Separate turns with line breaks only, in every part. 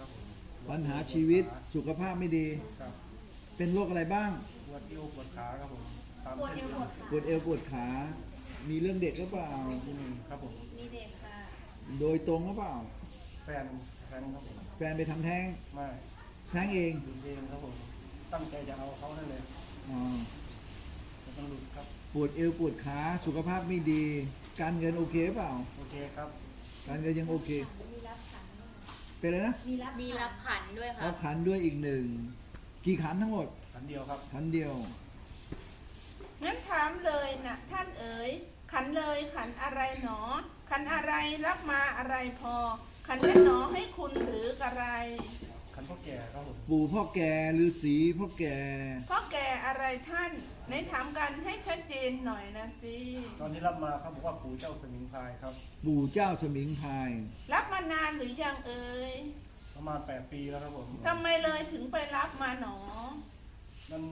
ครับผม
ปัญหาชีวิตสุขภาพไม่ดี
ครับ
เป็นโรคอะไรบ้าง
ปวดเอวปวดขาครับผมตาม
ปวดเอ
เส้น
ว
เลือด
ปวดขา
ปวดเอวปวดขา มีเรื่องเด็กหรือเปล่า
ครับผม
มีเด็กค่ะ
โดยตรงหรือเปล่า
แฟนครับผม
แฟนไปทำแท้ง
ไม่
แท้งเอง
หลุดเองครับผมตั้งใจจะเอาเขานั่นเลย
อ๋อ
แต่มันหลุดครับ
ปวดเอวปวดขาสุขภาพไม่ดี การเงินโอเคเปล่า
โอเคครับ
การเงินยังโอเค
มีรับขันด้วย
เป็นอะไรนะ
มีรับขันด้วยค่ะ
รับขันด้วยอีกหนึ่ง กี่ขันทั้งหมด
ขันเดียวครับ
ขันเดียว
งั้นถามเลยนะท่านเอ๋ยขันเลยขันอะไรหนอ ขันอะไรรับมาอะไรพอ ขันนั้นหนอให้คุณหรืออะไร
ขันพ่อแก่ครับผม
ปู่พ่อแก่ฤาษีพ่อแก่
เพราะแก่อะไรท่านไหนถามกันให้ชัดเจนหน่อยนะสิ
ตอนนี้รับมาครับบอกว่าปู่เจ้าสมิงพรายครับ
ปู่เจ้าสมิงพราย
รับมานานหรือยังเอ๋ย
ประมาณ8 ปีแล้วครับผม
ทำไมเลยถึงไปรับมาหนอ
มัน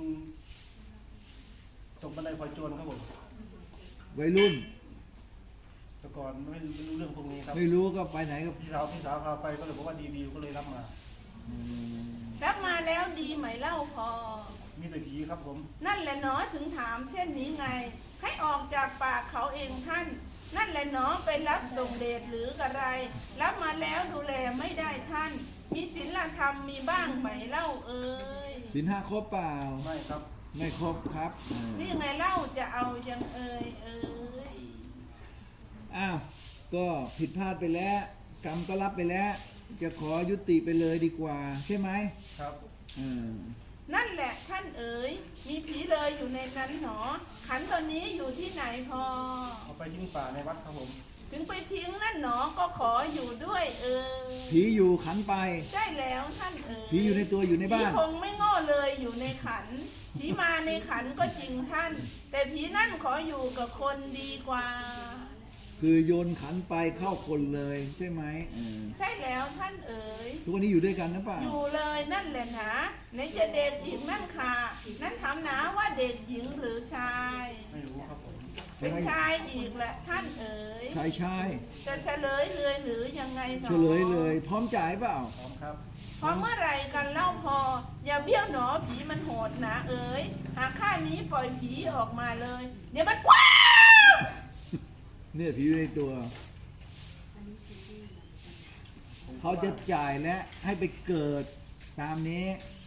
ตกบันไดคอยโจรครับผม
วัยรุ่น
แต่ก่อนไม่รู้เรื่องพวกนี้ครับ
ไม่รู้ก็ไปไหนก็
พี่สาวพาไปก็เลยบอกว่าดีๆก็เลยรับมา
รับมาแล้วดีไหมเล่าพอ
มีแต่ผีครับผม
นั่นแหละหนอถึงถามเช่นนี้ไง ให้ออกจากปากเขาเองท่าน นั่นแหละหนอไปรับส่งเดชหรืออะไร รับมาแล้วดูแลไม่ได้ท่าน มีศีลธรรมมีบ้างไหมเล่าเอ่ย
ศีลห้าครบเปล่า
ไม่ครับ
ไม่ครบครับอ่า
นี่ไงเล่าจะเอายังเอ่ย
อ้าวก็ผิดพลาดไปแล้ว กรรมก็รับไปแล้ว จะขอยุติไปเลยดีกว่า ใช่ไหม
ครับ
อ่า
นั่นแหละท่านเอ๋ยมีผีเลยอยู่ในนั้นหนอ ขันตัวนี้อยู่ที่ไหนพอ
เอาไปทิ้งป่าในวัดครับผม
ถึงไปทิ้งนั่นหนอก็ขออยู่ด้วยเอ่ย
ผีอยู่ขันไป
ใช่แล้วท่านเอ๋ย
ผีอยู่ในตัวอยู่ในบ้าน
ผีคงไม่โง่เลยอยู่ในขัน ผีมาในขันก็จริงท่าน แต่ผีนั่นขออยู่กับคนดีกว่า
คือโยนขันไปเข้าคนเลยใช่ไหมอ่า
ใช่แล้วท่านเอ๋ย
ทุกวันนี้อยู่ด้วยกันนะเปล่า
อยู่เลยนั่นแหละหนะไหนจะเด็กอีกนั่นค่ะนั่นถามหนาว่าเด็กหญิงหรือชาย
ไม่รู้ครับผม
เป็นชายอีกแหละท่านเอ๋ย
ชายชาย
จะเฉลยเลยหรือยังไงหนอ
เฉลยเลย พร้อมจ่ายเปล่า
พร้อมครับ
พอเมื่อไหรกันเล่าพอ อย่าเบี้ยวหนอผีมันโหดหนาเอ๋ยหากข้านี้ปล่อยผีออกมาเลย เดี๋ยวมันกว้าว
เนี่ยผีอยู่ในตัว เขาจะจ่ายและให้ไปเกิดตามนี้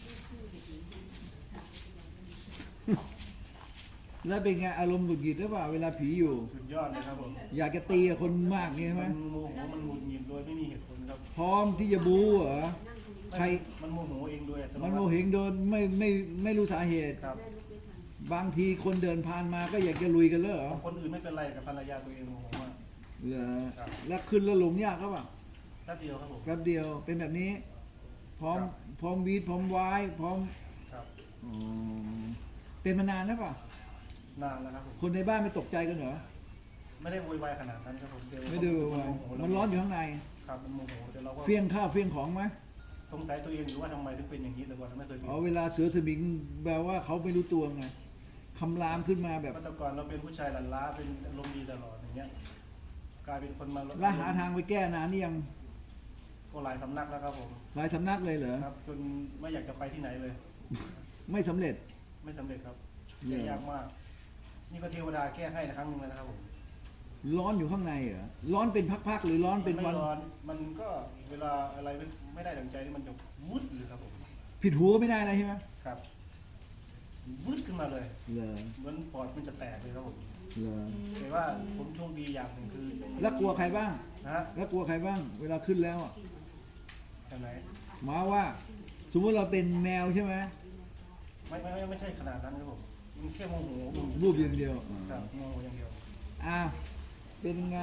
แล้วเป็นไงอารมณ์หงุดหงิดหรือเปล่าเวลาผีอยู่
สุดยอดเลยครับผม
อยากจะตีกับคนมากนี่ใช่ไหม
มันโมโหมันหงุดหงิดโดยไม่มีเหตุผลครับ
พร้อมที่จะบู๊เหรอ ใคร
มันโมโหเองโดยอัตโน
มัน
มั
โม
ติ
เหงโดนไม่รู้สาเหตุ
ครับ
บางทีคนเดินผ่านมาก็อยากจะลุยกันเลยเหรอ
คนอื่นไม่เป็นไรกับภรรยาตัวเองโมโหมาก
เหรอ
ครับ
แล้วขึ้นแล้วลงยากก็ปล่า
แป๊บเดียวครับผม
แป๊บเดียวเป็นแบบนี้ พร้อม
ครับ
พร้อมวีดพร้อมวายพร้อม
ครับ
อ๋อเป็นมานานแล้วป่ะ
นานแล้วครับผม
คนในบ้านไม่ตกใจกันเหรอ
ไม่ได้โวยวายขนาดนั้นครับผม
ไม่ได้วายมันร้อนอยู่ข้างใน
ครับมันโมโหแต่เราก็
เฟี้ยงข้าวเฟี้ยงของไหม
สงสัยตัวเองอยู่ว่าทำไมถึงเป็นอย่างนี้แต่ก่อนเราไม่เคยเป็น
อ๋อเวลาเสือสมิงแปลว่าเขาไม่รู้ตัวไงคำรามขึ้นมาแบบ
เมื่อแต่ก่อนเราเป็นผู้ชายหลั่นล้าเป็นอารมณ์ดีตลอดอย่างเงี้ยกลายเป็นคนมา
แล้วหาทางไปแก้นานนี่ยัง
ก็หลายสำนักแล้วครับผม
หลายสำนักเลยเหรอ
ครับจนไม่อยากจะไปที่ไหนเลย
ไม่สำเร็จ
ไม่สำเร็จครับ
เหรอ
แก้ยากมาก นี่ก็เทวดาแก้ให้นะครั้งหนึงเลยนะครับผม
ร้อนอยู่ข้างในเหรอร้อนเป็นพักๆหรือร้อนเป็น
ไม่
วัน
ร้อนมันก็เวลาอะไรไม่ได้ดังใจนี่มันจะวุดเลยครับผม
ผิดหูก็ไม่ได้อะไรใช่ไหม
ครับวุดขึ้นมาเลย
เหรอ
เหมือนปอดมันจะแตกเลยครับผม
เหรอ
แต่ว่าผมโชคดีอย่างหนึ่งคือ
แล้วกลัวใครบ้าง
นะฮะ
แล้วกลัวใครบ้าง เวลาขึ้นแล้วอะ
จากไหน
หมาว่า สมมติเราเป็นแมวใช่ไหม
ไม่ใช่ขนาดนั้นครับผมมันแค่โมโห
รูปอย่างเดียว
ครับโมโหอย่างเดียว
อ้าวเป็นไง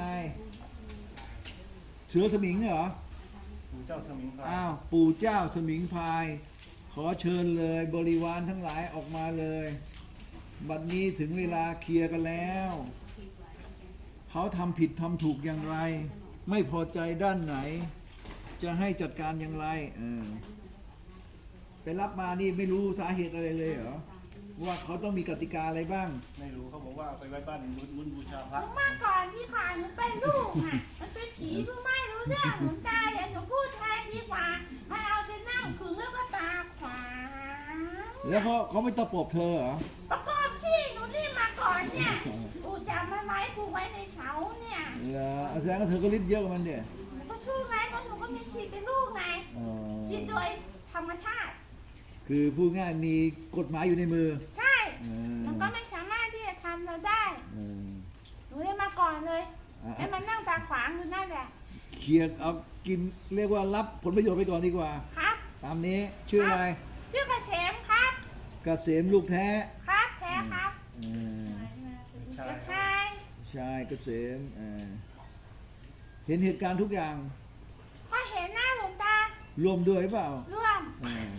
เสือสมิงเหรอ
ปู่เจ้าสมิงพราย
อ้าว ปู่เจ้าสมิงพราย ขอเชิญเลยบริวารทั้งหลายออกมาเลย บัดนี้ถึงเวลาเคลียร์กันแล้ว เขาทำผิดทำถูกอย่างไร ไม่พอใจด้านไหน จะให้จัดการอย่างไรไปรับมานี่ไม่รู้สาเหตุอะไรเลยเหรอ ว่าเขาต้องมีกติกาอะไรบ้าง
ไม่รู้เขาบอกว่าเอาไปไว้บ้านมุนบูชาพระ
เมื่อก่อนที่ผ่านหนูเป็นลูกอ่ะมันเป็นผีเพิ่งไม่รู้เรื่องหนูตาเดี๋ยวหนูพูดแทนดีกว่าให้เอา
แล้วเขาไม่ตะปบเธอเหรอ
ประกอบที่หนูรีบมาก่อนเนี่ยปู่จับมันไว้ผูกไว้ในเสาเนี่ย
เหรอแสดงว่าเธอก็ลิ้นเยอะกว่ามันเดีย
หนูก็ช่วยไงเพราะหนูก็มีฉีดเป็นลูกไงฉีดโดยธรรมชาติ
คือพูดง่ายมีกฎหมายอยู่ในมือ
ใช่ มันก็ไม่สามารถที่จะทำเราได้
เออ
หนูเลยมาก่อนเลย
อ่ะ
ให้มันนั่งตาขวางอยู่นั่นแหละ
เคลียร์เอากินเรียกว่ารับผลประโยชน์ไปก่อนดีกว่า
ครับ
ตามนี้ชื่ออะไร
ชื่อกระเฉมครับ
เกษมลูกแท้
ครับแท้ครับ
เออก
ระชาย
ชายเกษมเห็นเหตุการณ์ทุกอย่าง
ก็เห็นหน้าหลวงตา
ร่วมด้วยเปล่า
ร่วม
เออ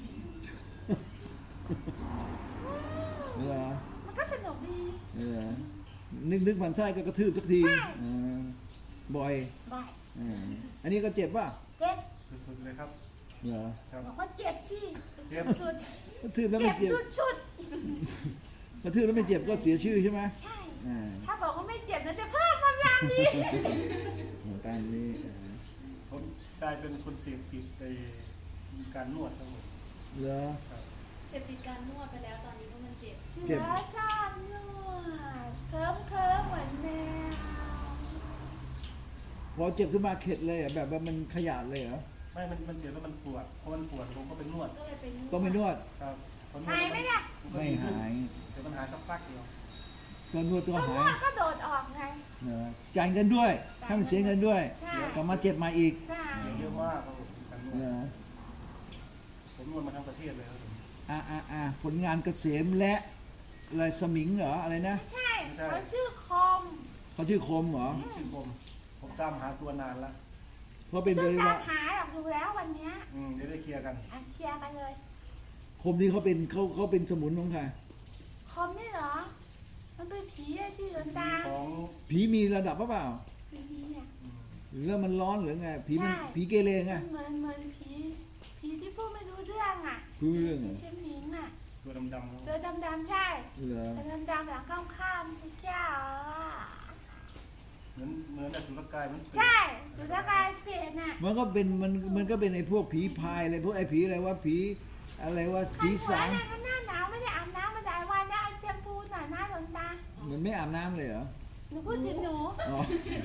เหรอ
มันก็สนุกดี
เหรอนึกมันไส้ก็กระทืบสักที
ใช่
บ่อย
บ่อย
อันนี้ก็เจ็บป่ะ
เจ็บ
สุดๆเลยครับ
เหรอ
ครับ
บอกว่าเจ็บสิ
เจ็บ
สุด
กระทืบแล้ว
เจ็
ไม่
บ
เจ็บ
สุด
กระทืบแล้วไม่เจ็บก็เสียชื่อใช่ไหม
ๆใช่
อ่า
ถ้าบอกว่าไม่เจ็บนะจะเพิ่มกำลังดี
ตามนี้
ผมกลายเป็นคนเสพติดในการนวดครับผม
เหรอ
เสพติดการนวดไปแล้วตอนนี้เพราะมันเจ็บ
เสื
เจ็บ
อชอบนวดเคิมเหมือนแมว
พอเจ็บขึ้นมาเข็ดเลยเหรอแบบว่ามันขยาดเลยเหรอ
ไม่มันเจ็บแล้วมันปวดพอมันปวดผมก็ไปนวด
ก็เลยไปนวด
ต้องไปนวด
ครับพอนวด
หายไหมล่ะ
ไม่หาย
เดี๋ยวมันหายสักพักเดียว
ก็นวดตัว
ต้องน
หา
วย ดก็โดดออกไง
เหรอจ่ายเงินด้วยให้มันเสียเงินด้วย
ใช่
กลับมาเจ็บมาอีก
ใช่
เยอะมากครับผมการนว
เหร
ด
อ
ผมนวดมาทั้งประเทศเลยครับผม
ผลงานเกษมและอะไรสมิงเหรออะไรนะ
ไม่ใช่เขาชื่อคม
เขาชื่อคมเหรอ
ชื่อผมตามหาตัวนานแล้ว
เพราะเป็น
ต้
บ
อง
ริ
ตาว
าม ร
หาหรอกดูแล้ววันเนี้ย
จะได้เคลียร์กัน
อ่ะเคลียร์กันเลย
คมนี่เขาเป็นสมุนของใคร
คมนี่เหรอ มันเป็นผีอะที่หลวงตา
ของ
ผีมีระดับเปล่า
ผีเนี่ย
หรือมันร้อนหรือไงผีมัน
ใช่
ผีเกเรไง
มันเหมือนผีที่พูดไม่รู้เรื่องอ่ะ
รู้เรื่องเหรอ
ชื่อหมิงอ่ะ
ตัวดำๆ
ตัวดำๆใช่
เหรอ
ตัวดำๆแบบข้ามๆพระเจ้าอ่ะ
เหมือนอสุรกายมันเปลี่ยน
ใช่สุรกายเปลี่ยนอ่ะ
มันก็เป็นไอ้พวกผีพายอะไรพวกไอ้ผีอะไรว่าผีอะไรว่า
ขั
ผี
นหัว
สาง
เนี่ยมันหน้าหนาวไม่ได้อาบน้ำมาหลายวันแล้วเอาแชมพูหน่อยนะหลวงตา
มันไม่อาบน้ำเลยเหรอ
หนูพูดถึงหนู
อ๋อ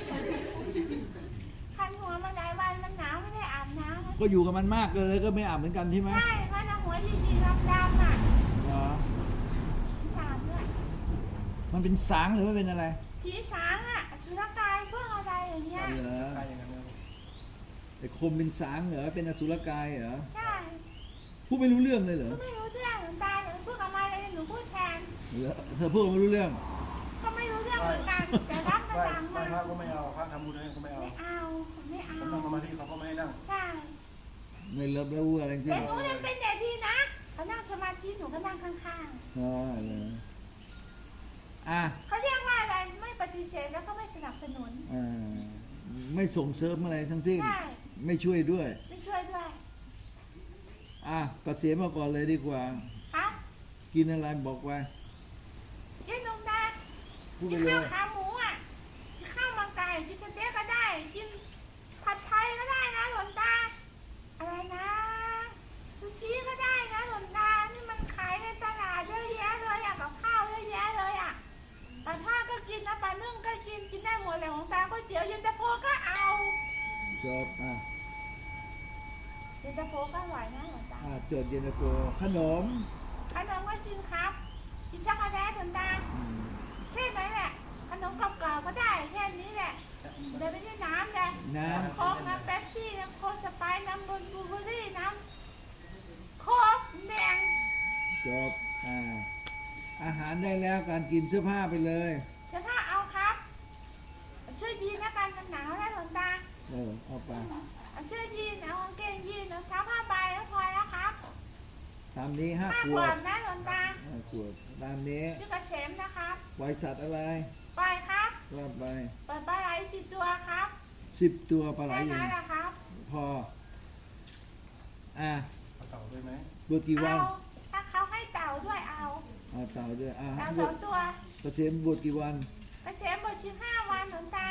คันหัวมาหลายวันมันหนาวไม่ได้อาบน้ำ
ก็อยู่กับมันมากเลยก็ไม่อาบเหมือนกันใช่ไหม
ใช่มันเอาหัวยีๆดำๆอ่ะ
เหรอ
ฉาบด้วย
มันเป็นสางหรือว่าเป็นอะไร
ผีสางอ่ะสุรกายพวกอะไรอย่างเงี้ย
เหรอ
ใช่อย่างนั้นนะครับ
ไอ้คมเป็นสางเหรอเป็นอสุรกายเหรอ
ใช่
พูดไม่รู้เรื่องเลยเหรอ
ก็ไม่รู้เรื่องหลวงตาหนูพูดกับมาเลยหนูพูดแทน
เหรอเธอพูดไม่รู้เรื่อง
ก็ไม่รู้เรื่องเหมือนกันแต่รับมา
ไหว้
ดัง
ไหว้
มา
พระก็ไม่เอาพระทำบุญให้ก็ไม่เอา
ไม่เอาไม่เอา
ผมนั่งสมาธิเขาก็ไม่ให้นั่ง
ใช่
ไม่เลิฟแล้วอะไรจริ
แต่
ง
หนูยังเป็นเด็กดีนะเขานั่งสมาธิหนูก็นั่งข้าง
อ๋อเหรออ่ะ
ๆเขาเรียกว่าอะไรไม่ปฏิเสธแล้วก็ไม่สนับสนุน
อ่าไม่ส่งเสริมอะไรทั้งสิ้น
ใช่
ไม่ช่วยด้วย
ไม่ช่วยด้วย
อ่ะกเสียมาก่อนเลยดีกว่า
ครับ
กินอะไรบอกไว้
กินนมได้
พูด
กิ
ไป
น
เล
ข้าวย ขาหมูอ่ะกินข้าวมังไก่กินสเต็กก็ได้กินผัดไทยก็ได้นะหลวงตาอะไรนะซูชิก็ได้นะหลวงตานี่มันขายในตลาดเยอะแยะเลยอ่ะกับข้าวเยอะแยะเลยอ่ะปลาทอดก็กินนะปลานึ่งก็กินได้หมดเลยหลวงตาก๋วยเตี๋ยวเย็นตาโฟก็เอา
จบอ่ะ
เย็นตาโฟก็อร่อยนะหลวงตา
จดเย็นตาโฟขนม
ขนมก็กินครับกินช็อกโกแลตหลวงตา
อืม
แค่นั้นแหละขนมกรอบๆก็ได้แค่นี้แหละเดี๋ยวไม่ได้น้ำเลย
น้
โค้กน้ำเป๊ปซี่น้ำโค้กสไปร์น้ำบลูเบอร์รี่น้ำโค้กแดง
ำจบอาหารได้แล้วการกินเสื้อผ้าไปเลย
เสื้อผ้าเอาครับช่วยยีนนะกันมันหนาวนะหลวงตา
เอาไป
เอาช่วยยีนเอากางเกงยีนเอาเท้าผ้าใบแล้วพอแล้วครับ
ตามนี้
ห้า
5 ข
ข
ว
ว
ด
บนะหลวงตา
5 ขวดตามนี้
ชื่อกระเฉมนะครับ
บริษัทอะไร
ปล่อยครับ
ว่าไป
ปล่อยปลาไหล10 ตัวครับ
10 ตัวปลาไหล
แค่
เอ
นั้น
ง
แหละครับ
พออ่ะ
เอาเต่าด้วยไหม
บวชกี่วั
เอา
น
ถ้าเขาให้เต่าด้วยเอา
เอาเต่าด้วย
เต่า
บวช
2 ตัว
กระเทียมบวชกี่วัน
กระเฉมบวช15 วันหลวงตา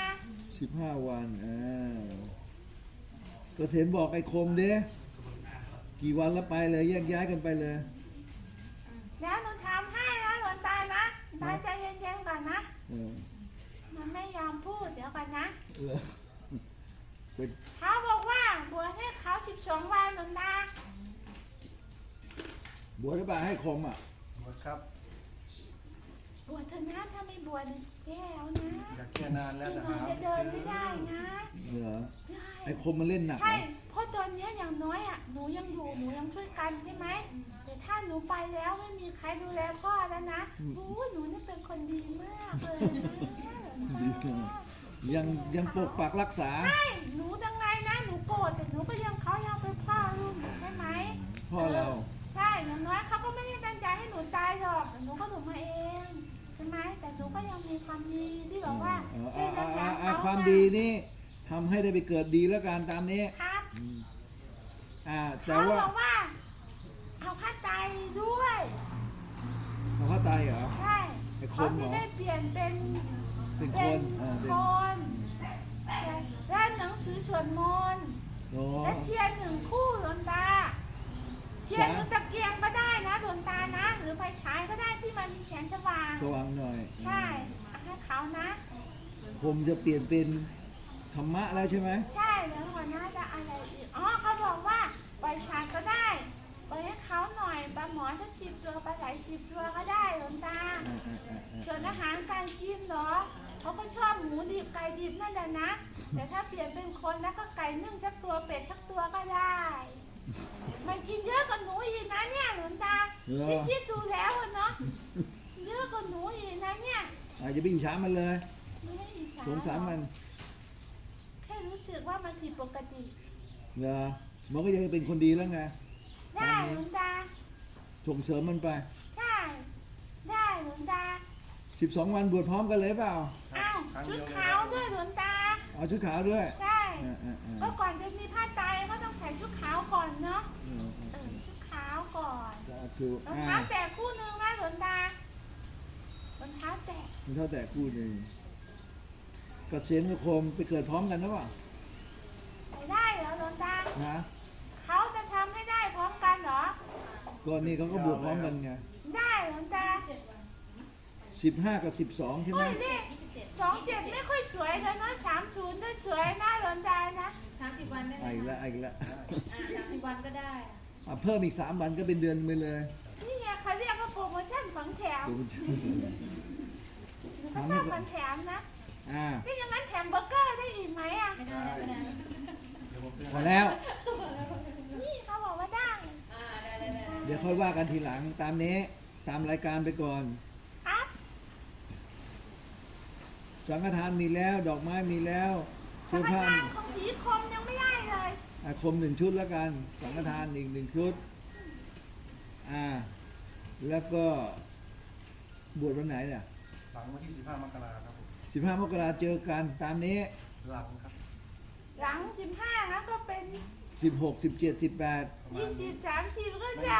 15 วันกระเทียมบอกไอ้คมเด้กี่วันแล้วไปเลยแยกย้ายกันไปเลย
กตาใจเย็นๆก่อนนะ
เออ
มันไม่ยอมพูดเดี๋ยวก่อนนะ
เออเป็น
เขาบอกว่าบวชให้เขา12 วันหลวงตา
บวชหรือเปล่าให้คมอ่ะ
บวชครับ
บวชเถอะนะถ้าไม่บวชแย่แล้วนะ
อยากแก้นานแล้ว
พี่
แต่
น้อย
หา
จะเดินไม่ได้นะ
เหรอ
ใช่
ไอ้คมมันเล่นหนักเหร
ใช่
อ
เพราะตอนเนี้ยอย่างน้อยอ่ะหนูยังอยู่หนูยังช่วยกันใช่ไหมแต่ถ้าหนูไปแล้วไม่มีใครดูแลพ่อแล้วนะโอ้ยหนูนี่เป็นคนดีมากเลยนะ
ยังปกปักรักษา
ใช่หนูยังไงนะหนูโกรธแต่หนูก็ยังเขายังเป็นพ่อลูกหนูใช่ไหม
พ่อเรา
ใช่อย่างน้อยเขาก็ไม่ได้ตั้งใจให้หนูตายหรอกแต่หนูก็หนูมาเองใช่ไหมแต่หนูก็ยังมีความดีที่แบบว่าช่วยยับยั้งเขา
ความดีนี่ทำให้ได้ไปเกิดดีแล้วกันตามนี้
ครับ
แต่
เขา
ว่า
บอกว่าเอาผ้าไตรด้วย
เขาก็ตายเหรอ
ใช่
ไอ้ค
เขา
นเหร
จะ
อ
ได้เปลี่ยนเป็น
เป็นค
เป็น
นเป็น
คนใช่และหนังสือสวดมนต์
โอ้
และเทียน1 คู่หลวงตา เทียนหรือตะเกียงก็ได้นะหลวงตานะ หรือไฟฉายก็ได้ที่มันมีแสงสว่าง
สว่างหน่อย
ใช่เอาให้เขานะ
คมจะเปลี่ยนเป็นธรรมะแล้วใช่ไหม
ใช่แล้วหัวหน้าจะอะไรอีกอ๋อเขาบอกว่าปล่อยฉากก็ได้ปล่อยให้เขาหน่อยปลาหมอจะ10 ตัวปลาไหล10 ตัวก็ได้หลวงตา ส่วนอาหารการกินเหรอเขาก็ชอบหมูดิบไก่ดิบนั่นแหละนะ แต่ถ้าเปลี่ยนเป็นคนแล้วก็ไก่นึ่งสักตัวเป็ดสักตัวก็ได้ มันกินเยอะกว่าหนูอีกนะเนี่ยหลวงตาที่คิดดูแล้วอะเนาะเยอะกว่าหนูอีกนะเนี่ย
อาจจะไปอิจฉามันเลย
ไม่ได้อิจฉา
สงสารมัน
แค่รู้สึกว่ามันผิดปกติ
เหรอมันก็ยังเป็นคนดีแล้วไง
ได้หลวงตา
ส่งเสริมมันไป
ใช่ได้หลวงตา
12 วันบวชพร้อมกันเลยเปล่า
อ้าว
ครั้ง
ชุ
เดี
ด
ยวเลย
ขาวด้วยหลวงตา
เอาชุดขาวด้วย
ใช่
อ่า
ก็ก่อนจะมีผ้าไตรก็ต้องใส่ชุดขาวก่อนเนาะชุดขาวก่อน
สาธุ
รองเท้าแตะคู่หนึ่งนะหลวงตารองเท้าแตะ
มันเท่าแต่คู่หนึ่งกเกษียณกับคมไปเกิดพร้อมกันหรือเปล่า
ไปได้เหรอหลวงตา
นะ
เขาจะทำให้ได้พร้อมกันเหรอ
ก่อนนี้เขาก็บวชพร้อมกันไง
ได้หลวงตา
15 กับ 12 ใช่ไหม
เฮ้ยนี่27ไม่ค่อยสวยเลยเนาะ30ก็สวยนะหลวงตานะ
30 วันได้ไหม
อีกแล้ว
คะ
อีกแล้ว
30 วันก็ได้อะ
เพิ่มอีก 3 วันก็เป็นเดือนไปเลย
นี่ไงเขาเรียกว่าโปรโมชั่นของแถมเขาชอบของแถมนะ นี่อย่างนั้นแถมเบอร์เกอร์ได้อีกไหมอ่ะ
ไม่ได้ไม่ได้
เดี๋ยวผมเตือน
พอแล้ว
นี่เขาบอกว่าได้
ได้
เดี๋ยวค่อยว่ากันทีหลังตามนี้ตามรายการไปก่อน
ครับ
สังฆทานมีแล้ว ดอกไม้มีแล้ว
สั
เสื้
ง
อ
ฆ
ผ้า
ทานของผีคมยังไม่ได้เลย
คม1 ชุดแล้วกัน สังฆทานอีก1 ชุด แล้วก็บวชวันไหนเนี่ย
หลังวันที่15 มกราครับผม
15 มกราเจอกันตามนี้
หลังครับ
หลัง15แล้วก็เป็น
16 17 18
ประมาณนี้
20 30ก็ยัง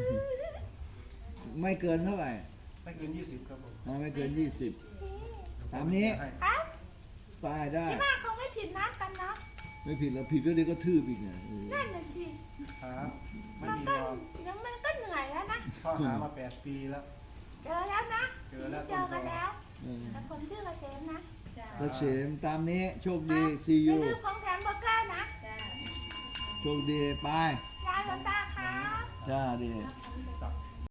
ไม่เกินเท่าไหร่
ไม่เกิน20ครับผม
ไม่เกิน 20 ตามนี้
ให้
ครับ
ตายได้
ที่ว่าเขาไม่ผิดนัดกันเนาะ
ไม่ผิดแล้วผิดก็เดี๋ยวก็ทืบอีกไง
นั่นน่ะสิ
ครับไม่
มัน
มี
ก็
รอ
เดี๋ยวมันก็เหนื่อยแล้วนะ
ข้อหามา8 ปีแล้ว
เจอแล้วนะ
เจอแล้ว
เจอกันแล้ว
เออ
แต่คนชื่อกเกษมนะ
ก็เฉมตามนี้โชคดีซี
อย่า
ยู
ลืมของแถมเบอร์เกอร์นะ
โชคดีไป
ลาหลวงตาครับ
จ้าดี
สัก